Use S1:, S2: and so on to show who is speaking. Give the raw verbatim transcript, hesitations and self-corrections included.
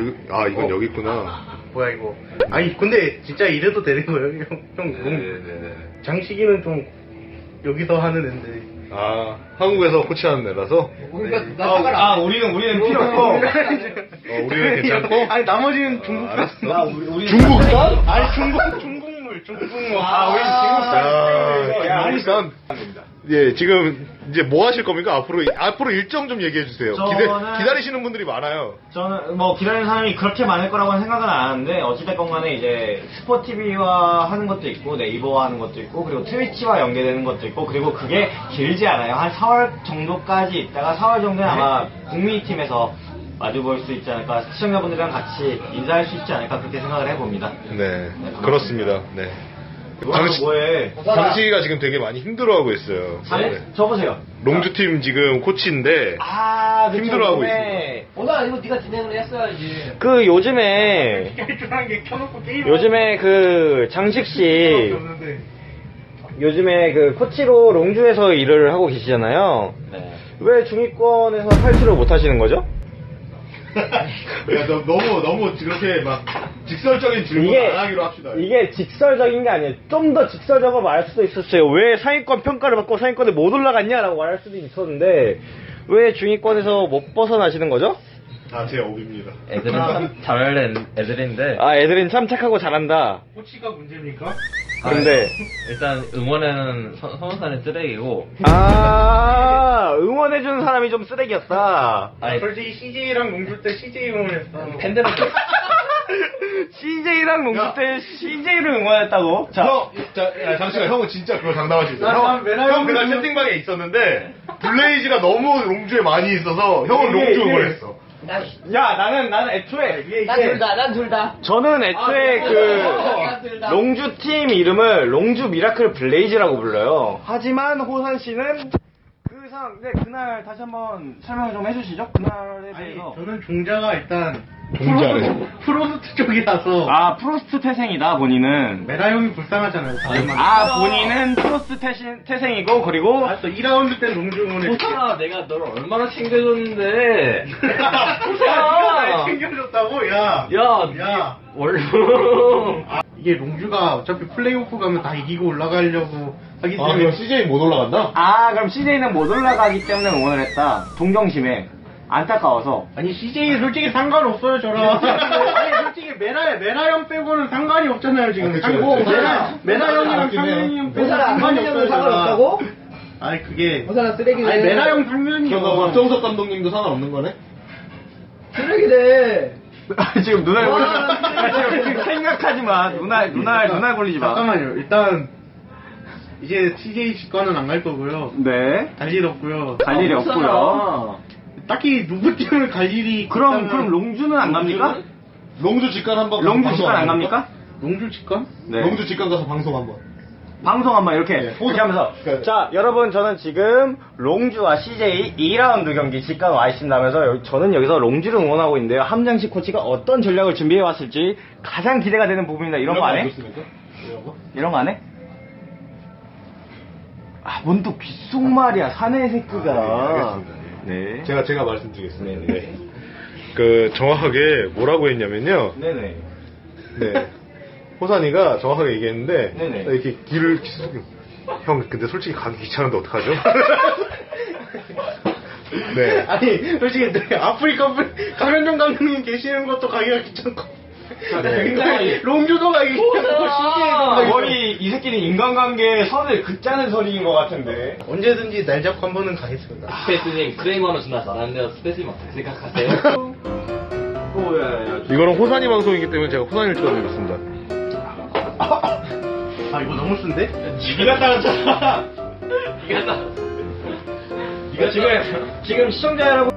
S1: 이- 아 이건
S2: 어.
S1: 여기 있구나.
S2: 뭐야 이거? 아니 근데 진짜 이래도 되는 거예요, 형? 형 롱,
S1: 네네네.
S2: 장식이는 좀 여기서 하는 앤데.
S1: 아 한국에서 코치하는 애라서.
S3: 우리가
S2: 네.
S3: 나 사과를
S2: 아,
S3: 안 해.
S2: 우리는 우리는 필요 없고.
S1: 어, 우리는 괜찮고.
S2: 아니 나머지는 중국
S1: 아,
S2: 산.
S1: 알았어.
S3: 우리, 우리
S1: 중국산?
S2: 아니 중국 중국물 중국물.
S3: 아, 우리
S1: 아,
S2: 야, 아니
S1: 중국산. 예, 지금 이제 뭐 하실 겁니까? 앞으로 앞으로 일정 좀 얘기해 주세요. 기대,
S4: 저는-
S1: 기다리시는 분들이 많아요.
S4: 저는 뭐 기다리는 사람이 그렇게 많을 거라고는 생각은 안 하는데 어찌됐건 간에 이제 스포티비와 하는 것도 있고 네이버와 하는 것도 있고 그리고 트위치와 연계되는 것도 있고 그리고 그게 길지 않아요. 한 사월 정도까지 있다가 사월 정도에 아마 국민팀에서 마주볼 수 있지 않을까, 시청자분들이랑 같이 인사할 수 있지 않을까 그렇게 생각을 해봅니다.
S1: 네, 그렇습니다. 네.
S4: 장식 뭐해?
S1: 장식이가 지금 되게 많이 힘들어하고 있어요.
S4: 아니,
S1: 네.
S4: 저보세요.
S1: 롱주 팀 지금 코치인데
S4: 아, 그쵸,
S1: 힘들어하고
S4: 요즘에
S3: 오늘 이거 네가 진행을 했어야지.
S4: 그 요즘에
S2: 중요한 게 켜놓고 게임.
S4: 요즘에 그 장식 씨
S2: 없는데.
S4: 요즘에 그 코치로 롱주에서 일을 하고 계시잖아요.
S3: 네.
S4: 왜 중위권에서 탈출을 못 하시는 거죠?
S1: 야, 너, 너무 너무 그렇게 막 직설적인 질문
S4: 이게
S1: 안 하기로 합시다.
S4: 이게 직설적인 게 아니에요. 좀 더 직설적으로 말할 수도 있었어요. 왜 상위권 평가를 받고 상위권에 못 올라갔냐라고 말할 수도 있었는데 왜 중위권에서 못 벗어나시는 거죠?
S1: 아, 제 업입니다.
S5: 애들은 참 잘하는 애들인데
S4: 아, 애들은 참 착하고 잘한다.
S2: 코치가 문제입니까?
S4: 근데
S5: 일단 응원에는 선- 선호사는 쓰레기고
S4: 아, 응원해주는 사람이 좀 쓰레기였다.
S5: 아니
S2: 솔직히 씨제이랑 농구 때 씨제이 응원했어.
S5: 팬들은
S4: 씨제이랑 농구 때 씨제이를 응원했다고? 자,
S1: 형, 자, 야, 잠시만, 형은 진짜 그걸 장담할 수 있어.
S2: 난-
S1: 형,
S2: 난 맨날
S1: 형 그날
S2: 롱주-
S1: 채팅방에 있었는데 블레이즈가 너무 롱주에 많이 있어서 형은
S4: 이게-
S1: 롱주
S4: 이게-
S1: 응원했어.
S4: 야, 나는, 나는 애초에, 이게,
S3: 난
S4: 이게-
S3: 둘 다, 난 둘 다.
S4: 저는 애초에
S3: 아,
S4: 그,
S3: 둘 다.
S4: 롱주 팀 이름을 롱주 미라클 블레이즈라고 불러요. 하지만 호산 씨는 그 상, 네, 그날 다시 한번 설명을 좀 해주시죠. 그날에
S2: 아니
S4: 대해서.
S2: 저는 종자가 일단
S1: 종자래.
S2: 프로스트 쪽이라서
S4: 아, 프로스트 태생이다, 본인은.
S2: 메라 형이 불쌍하잖아요.
S4: 아, 본인은 프로스트 태신, 태생이고, 그리고,
S2: 아, 또 이 라운드 때 농주 응원했어.
S5: 호사가 내가 너를 얼마나 챙겨줬는데
S2: 야, 날 챙겨줬다고? 야.
S5: 야,
S2: 야.
S5: 원래
S2: 아, 이게 롱주가 어차피 플레이오프 가면 다 이기고 올라가려고 하기
S1: 아,
S2: 때문에
S1: 그럼 씨제이 못 올라간다?
S4: 아, 그럼 씨제이는 못 올라가기 때문에 응원을 했다. 동정심에. 안타까워서.
S2: 아니 씨제이 솔직히 상관없어요 저랑. 아니 솔직히 메라 메라 형 빼고는 상관이 없잖아요 지금.
S1: 아, 그쵸,
S2: 상고
S1: 그쵸.
S2: 메라 메라 형이랑
S1: 맞긴 해요.
S2: 상현이 형 빼고
S3: 호사랑
S2: 상관이
S3: 상현이
S2: 없어요.
S3: 형은 상관없다고?
S2: 저랑. 아니 그게
S3: 호사랑 쓰레기네.
S2: 아니 메라 형 상현이요.
S1: 그럼 박정석 감독님도 상관없는 거네?
S3: 쓰레기네.
S4: 지금 눈알
S3: 와,
S4: 굴리지 마. 지금 생각하지 마. 눈알, 눈알, 눈알 굴리지 마.
S2: 잠깐만요. 일단 이제 씨제이 직관은 안 갈 거고요.
S4: 네.
S2: 갈 일 없고요.
S4: 갈 일이 없고요.
S2: 딱히 누구 팀을 갈 일이
S4: 그럼,
S2: 있다면-
S4: 그럼 롱주는 안 갑니까?
S1: 롱주 직관 한번
S4: 롱주
S1: 방송
S4: 직관 안
S1: 합니까?
S4: 갑니까?
S2: 롱주 직관?
S4: 네.
S1: 롱주 직관 가서 방송 한번.
S4: 방송 한번 이렇게,
S1: 네.
S4: 이렇게 하면서.
S1: 그러니까-
S4: 자, 여러분, 저는 지금 롱주와 씨제이 이 라운드 경기 직관 와 있습니다면서 여기- 저는 여기서 롱주를 응원하고 있는데요. 함장식 코치가 어떤 전략을 준비해 왔을지 가장 기대가 되는 부분입니다. 이런 거 안 해?
S1: 좋습니까? 이런 거?
S4: 이런 거 안 해? 아, 뭔 또 귓속말이야, 사내 새끼가.
S1: 아, 네, 알겠습니다.
S4: 네.
S1: 제가 제가 말씀드리겠습니다. 네. 그 정확하게 뭐라고 했냐면요.
S4: 네네.
S1: 네. 호산이가 정확하게 얘기했는데
S4: 네네.
S1: 이렇게 길을 형 근데 솔직히 가기 귀찮은데 어떡하죠? 네.
S2: 아니 솔직히 네, 아프리카 강현종 감독님 계시는 것도 가기가 귀찮고
S1: 네.
S2: 롱주도 가기 귀찮고 씨제이도 가기
S4: 거의 이 새끼는 인간관계에 선을 긋자는 소리인 것 같은데.
S2: 언제든지 날 잡고 한 번은 가겠습니다.
S5: 스페이스님 크레이머는 존나 잘하는데요. 스페이스님 어떻게 생각하세요?
S4: 오, 야, 야, 야.
S1: 이거는 호산이 방송이기 때문에 제가 호산이를 찍어드리겠습니다.
S2: 아 이거 너무 쓴데?
S4: 니가 따랐잖아.
S5: 이게 나
S4: 니가 지금, 지금 시청자 여러분.